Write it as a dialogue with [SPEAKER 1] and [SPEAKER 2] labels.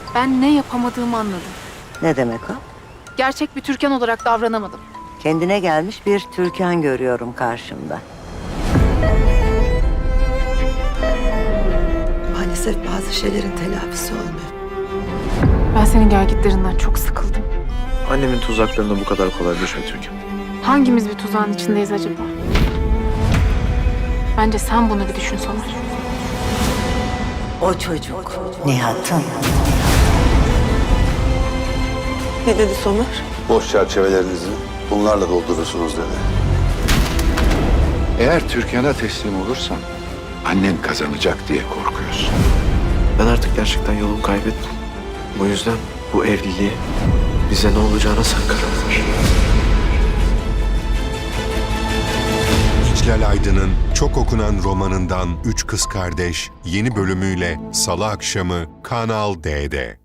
[SPEAKER 1] Ben ne yapamadığımı anladım.
[SPEAKER 2] Ne demek o?
[SPEAKER 1] Gerçek bir Türkan olarak davranamadım.
[SPEAKER 2] Kendine gelmiş bir Türkan görüyorum karşımda.
[SPEAKER 3] Maalesef bazı şeylerin telafisi olmuyor.
[SPEAKER 1] Ben senin gelgitlerinden çok sıkıldım.
[SPEAKER 4] Annemin tuzaklarına bu kadar kolay düşme Türkan.
[SPEAKER 1] Hangimiz bir tuzağın içindeyiz acaba? Bence sen bunu bir düşün Somer.
[SPEAKER 2] O çocuk Nihat'ın.
[SPEAKER 3] Ne dedi Somer?
[SPEAKER 5] Boş çerçevelerinizi bunlarla doldurursunuz dedi.
[SPEAKER 6] Eğer Türkan'a teslim olursan annen kazanacak diye korkuyorsun.
[SPEAKER 4] Ben artık gerçekten yolumu kaybettim. Bu yüzden bu evliliği bize ne olacağına sen karar ver.
[SPEAKER 7] İclal Aydın'ın çok okunan romanından Üç Kız Kardeş yeni bölümüyle Salı akşamı Kanal D'de.